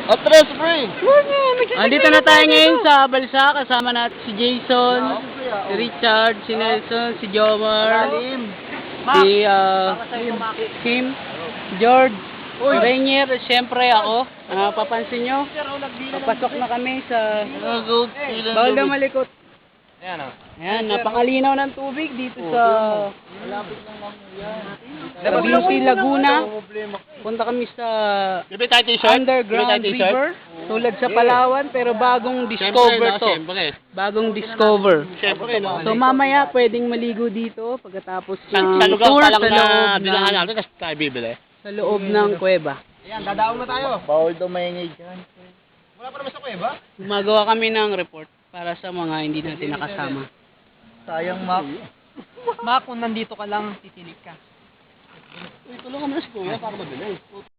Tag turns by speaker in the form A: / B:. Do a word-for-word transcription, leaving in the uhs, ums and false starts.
A: Atras, pre!
B: Andito na tayo ngayon sa Balsa. Kasama natin si Jason, si Richard, si Nelson, si Jomar, si uh, Kim, George, Rainier, siyempre ako. Uh, papansin nyo, papasok na kami sa bawal na malikot.
A: Ayan o.
B: Ayan, napakalinaw ng tubig dito sa Cavite, Laguna. Punta kami sa
A: Bibili tayo t-shirt?
B: underground
A: Bibili tayo
B: river, tulad sa Palawan, pero bagong discover to.
A: Siyempre.
B: Bagong discover.
A: Siyempre, no?
B: So mamaya pwedeng maligo dito pagkatapos
A: Sa,
B: ng
A: sa lugar
B: tour
A: pa lang
B: sa
A: na
B: loob
A: bilangan
B: ng,
A: natin, tapos tayo bibili.
B: sa loob ng kuweba.
A: Ayan, dadaong na tayo. Bawal daw maingay dyan. Wala pa naman sa kuweba?
B: Gumagawa kami ng report para sa mga hindi natin nakasama.
A: Sayang, Mac.
C: Ma, kung nandito ka lang, titinig ka.
A: Uy, tulungan mo na si Kuya para mabilis.